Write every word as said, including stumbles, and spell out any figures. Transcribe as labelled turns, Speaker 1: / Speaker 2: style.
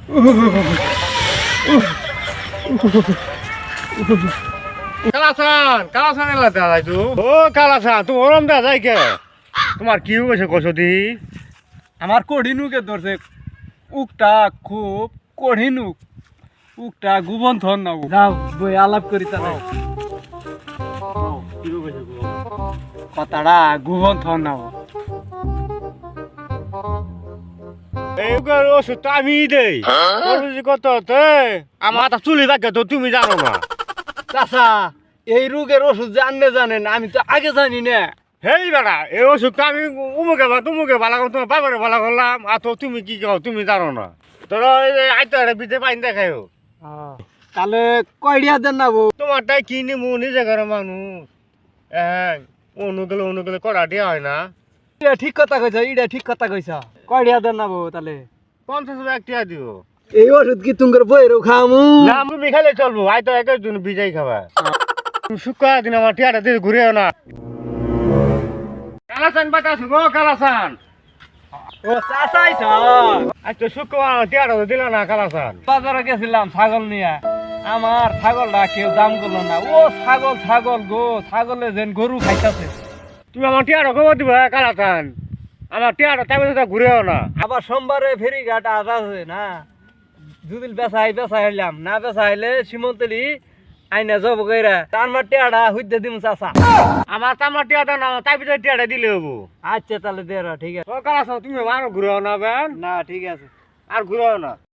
Speaker 1: কালাসান কালাসান এলা দাদা তো ও কালাসান তুমি ওরম দা যাই কে তোমার কি হয়েছে কসদি
Speaker 2: আমার কঠিনুকে ধরছে উকটা খুব কঠিনুক উকটা গুবন থন না যাও বই আলাপ করি তাহলে কথাটা গুবন থন না
Speaker 1: এইগুলো ওষুধ তো আমি দেই কত আমার তা চুলি থাকে তো তুমি জানো না
Speaker 2: চাচা এই রোগের ওষুধ জানলে জানেন আমি তো আগে জানি না
Speaker 1: হেই বেড়া এই ওষুধ তো আমি উমুকে বা তুমুকে ভালো করলাম তোমার বাবারে ভালো করলাম আর তো তুমি কি কও তুমি জানো না তোর আইতো একটা বিদে পাইন দেখাইও
Speaker 2: তাহলে কয়ডিয়া দেন না বউ
Speaker 1: তোমারটাই কিনি মু নিজে ঘরে মানুষ হ্যাঁ অনুগুলো অনুগুলো কড়া দিয়া হয় না
Speaker 2: এটা ঠিক কথা কইছ এটা ঠিক কথা কইছ কয়ডিয়া দেন না বউ তাহলে
Speaker 1: পঞ্চাশ টাকা টিয়া দিও
Speaker 2: এই ওষুধ কি তুঙ্গর বইরও খামু
Speaker 1: না তুমি খাইলে চলবো আইতো একের জন্য বিজাই খাবা শুক্র দিন আমার টিয়াটা দিয়ে ঘুরেও না কালাসান বাতাস গো কালাসান
Speaker 2: ও চাচাইছ
Speaker 1: আজ তো শুক্র টিয়াটা তো দিল না কালাসান
Speaker 2: বাজারে গেছিলাম ছাগল নিয়ে আমার ছাগলটা কেউ দাম করলো না ও ছাগল ছাগল গো ছাগলে যেন গরু খাইতাছে
Speaker 1: তুমি আমার টিয়াটা খবর দিবা কালাসান আমার টিয়াটা তাই বলে ঘুরেও না
Speaker 2: আবার সোমবারে ফেরি ঘাট আছে না যদি বেসাই বেসাই হইলাম না বেসা হইলে সীমন্তলি আইনা জব কইরা তার মার টিয়াটা হইতে দিমু চাচা
Speaker 1: আমার তামার টিয়াটা না তাই ভিতরে টিয়াটা দিলে হবো
Speaker 2: আচ্ছা তাহলে দে ঠিক আছে
Speaker 1: ও কালাসান তুমি আরো ঘুরেও না বেন
Speaker 2: না ঠিক আছে
Speaker 1: আর ঘুরেও না